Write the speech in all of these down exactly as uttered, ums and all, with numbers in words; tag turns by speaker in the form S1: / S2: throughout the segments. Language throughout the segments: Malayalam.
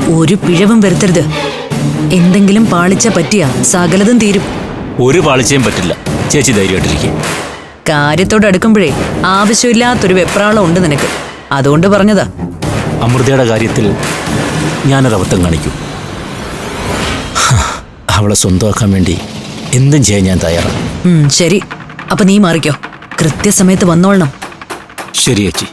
S1: ഒരു പിഴവും വരുത്തരുത്. എന്തെങ്കിലും പാളിച്ച പറ്റിയാ സകലതും തീരും.
S2: ഒരു പാളിച്ചയും പറ്റില്ല. ചേച്ചി ധൈര്യമായിട്ടിരിക്കും.
S1: കാര്യത്തോട് അടുക്കുമ്പോഴേ ആവശ്യമില്ലാത്തൊരു വെപ്രാളം ഉണ്ട് നിനക്ക്. അതുകൊണ്ട് പറഞ്ഞതാ.
S2: അമൃതയുടെ കാര്യത്തിൽ ഞാനൊരബദ്ധം കാണിക്കും. അവളെ സ്വന്തമാക്കാൻ വേണ്ടി എന്തും ചെയ്യാൻ ഞാൻ തയ്യാറാണ്.
S1: ശരി, അപ്പൊ നീ മാറിക്കോ. കൃത്യസമയത്ത് വന്നോളണം.
S2: ശരി ചേച്ചി.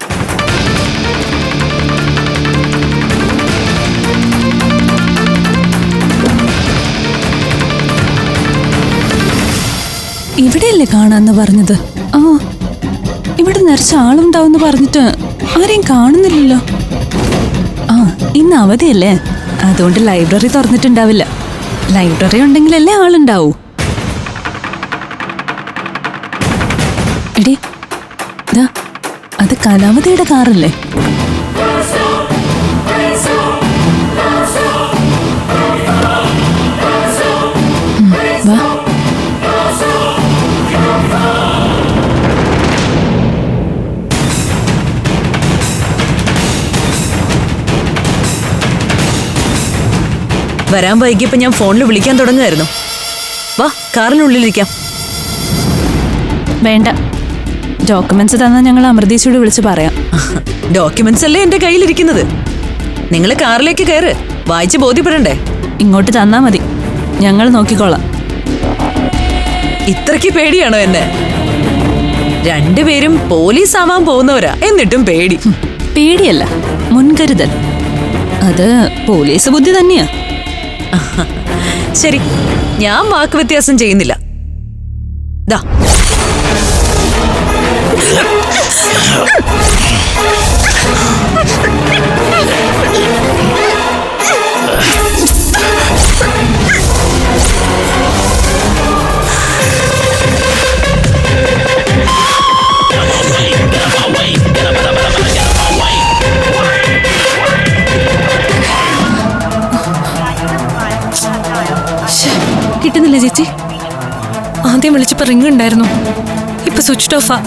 S3: ഇവിടെയല്ലേ കാണാന്ന് പറഞ്ഞത്? ആ, ഇവിടെ നിറച്ച ആളുണ്ടാവുന്ന് പറഞ്ഞിട്ട് ആരെയും കാണുന്നില്ലല്ലോ. ആ, ഇന്ന് അവധിയല്ലേ, അതുകൊണ്ട് ലൈബ്രറി തുറന്നിട്ടുണ്ടാവില്ല. ലൈബ്രറി ഉണ്ടെങ്കിലല്ലേ ആളുണ്ടാവൂ. എടി, ദാ അത് കലാവതിയുടെ കാറല്ലേ? വാ.
S1: വരാൻ വൈകിയപ്പോ ഞാൻ ഫോണിൽ വിളിക്കാൻ തുടങ്ങുമായിരുന്നു. വാ, കാറിനുള്ളിലിരിക്കാം.
S3: വേണ്ട, ഡോക്യുമെന്റ്സ് തന്നാൽ ഞങ്ങൾ അമൃതീശയോട് വിളിച്ച് പറയാം.
S1: ഡോക്യുമെന്റ്സ് അല്ലേ എന്റെ കയ്യിലിരിക്കുന്നത്. നിങ്ങൾ കാറിലേക്ക് കയറ്, വായിച്ച് ബോധ്യപ്പെടണ്ടേ?
S3: ഇങ്ങോട്ട് തന്നാ മതി, ഞങ്ങൾ നോക്കിക്കോളാം.
S1: ഇത്രയ്ക്ക് പേടിയാണോ എന്നെ? രണ്ടുപേരും പോലീസ് ആവാൻ പോകുന്നവരാ, എന്നിട്ടും പേടി.
S3: പേടിയല്ല, മുൻകരുതൽ. അത് പോലീസ് ബുദ്ധി തന്നെയാ.
S1: ശരി, ഞാൻ വാക്ക് വ്യത്യാസം ചെയ്യുന്നില്ല. ദാ
S3: കിട്ടുന്നില്ല ചേച്ചി. ആദ്യം വിളിച്ചപ്പോ റിംഗ് ഉണ്ടായിരുന്നു, ഇപ്പൊ സ്വിച്ച് ഓഫാ.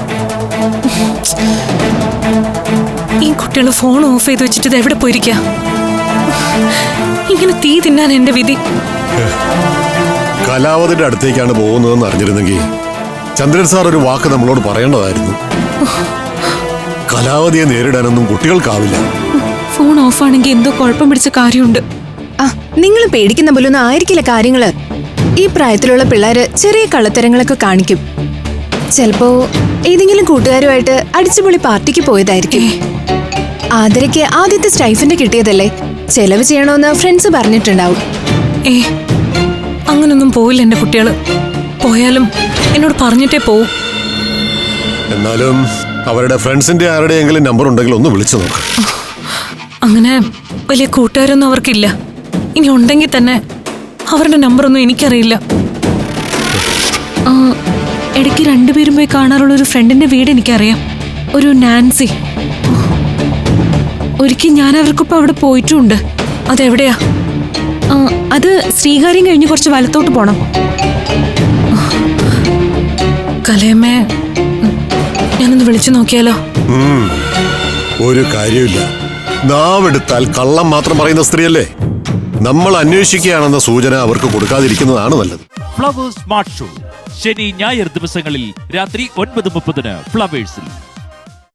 S3: ഈ കുട്ടികൾ ഫോൺ ഓഫ് ചെയ്ത് വെച്ചിട്ട് ഇത് എവിടെ പോയിരിക്ക? ഇങ്ങനെ തീ തിന്നാൻ എന്റെ വിധി.
S4: കലാവതിന്റെ അടുത്തേക്കാണ് പോകുന്നതെന്ന് അറിഞ്ഞിരുന്നെങ്കിൽ ചന്ദ്രൻ സാർ ഒരു വാക്ക് നമ്മളോട് പറയേണ്ടതായിരുന്നു. കലാവതിയെ നേരിടാനൊന്നും കുട്ടികൾക്കാവില്ല.
S3: ഫോൺ ഓഫ് ആണെങ്കിൽ എന്തോ കുഴപ്പം പിടിച്ച കാര്യമുണ്ട്.
S5: ആ, നിങ്ങൾ പേടിക്കുന്ന പോലൊന്നും ആയിരിക്കില്ല കാര്യങ്ങള്. ഈ പ്രായത്തിലുള്ള പിള്ളേര് ചെറിയ കള്ളത്തരങ്ങളൊക്കെ കാണിക്കും. ചിലപ്പോ ഏതെങ്കിലും കൂട്ടുകാരുമായിട്ട് അടിച്ചുപൊളി പാർട്ടിക്ക് പോയതായിരിക്കും. ആദരയ്ക്ക് ആദ്യത്തെ സ്റ്റൈഫിന്റെ കിട്ടിയതല്ലേ, ചെലവ് ചെയ്യണോന്ന് ഫ്രണ്ട്സ് പറഞ്ഞിട്ടുണ്ടാവും.
S3: ഏ, അങ്ങനൊന്നും പോയില്ല എന്റെ കുട്ടികള്. പോയാലും എന്നോട് പറഞ്ഞിട്ടേ പോവും.
S4: എന്നാലും അവരുടെ ഫ്രണ്ട്സിന്റെ ആരുടെയെങ്കിലും നമ്പർ ഉണ്ടെങ്കിൽ ഒന്ന് വിളിച്ചു നോക്ക്.
S3: അങ്ങനെ വലിയ കൂട്ടുകാരൊന്നും അവർക്കില്ല. ഇനി ഉണ്ടെങ്കിൽ തന്നെ അവരുടെ നമ്പറൊന്നും എനിക്കറിയില്ല. ഇടയ്ക്ക് രണ്ടുപേരും പോയി കാണാറുള്ള ഒരു ഫ്രണ്ടിന്റെ വീട് എനിക്കറിയാം, ഒരു നാൻസി. ഒരിക്കൽ ഞാൻ അവർക്കൊപ്പം അവിടെ പോയിട്ടുമുണ്ട്. അതെവിടെയാ? അത് ശ്രീകാര്യം കഴിഞ്ഞ് കുറച്ച് വലത്തോട്ട് പോണം. കലയമ്മേ, ഞാനൊന്ന് വിളിച്ചു നോക്കിയാലോ?
S4: ഒരു കാര്യമില്ല, നാവെടുത്താൽ കള്ളം മാത്രം പറയുന്ന സ്ത്രീയല്ലേ. നമ്മൾ അന്വേഷിക്കുകയാണെന്ന സൂചന അവർക്ക് കൊടുക്കാതിരിക്കുന്നതാണ് നല്ലത്.
S6: ഫ്ലവേഴ്സ് സ്മാർട്ട് ഷോ ശനി ഞായർ ദിവസങ്ങളിൽ രാത്രി ഒൻപത് മുപ്പതിന് ഫ്ലവേഴ്സിൽ.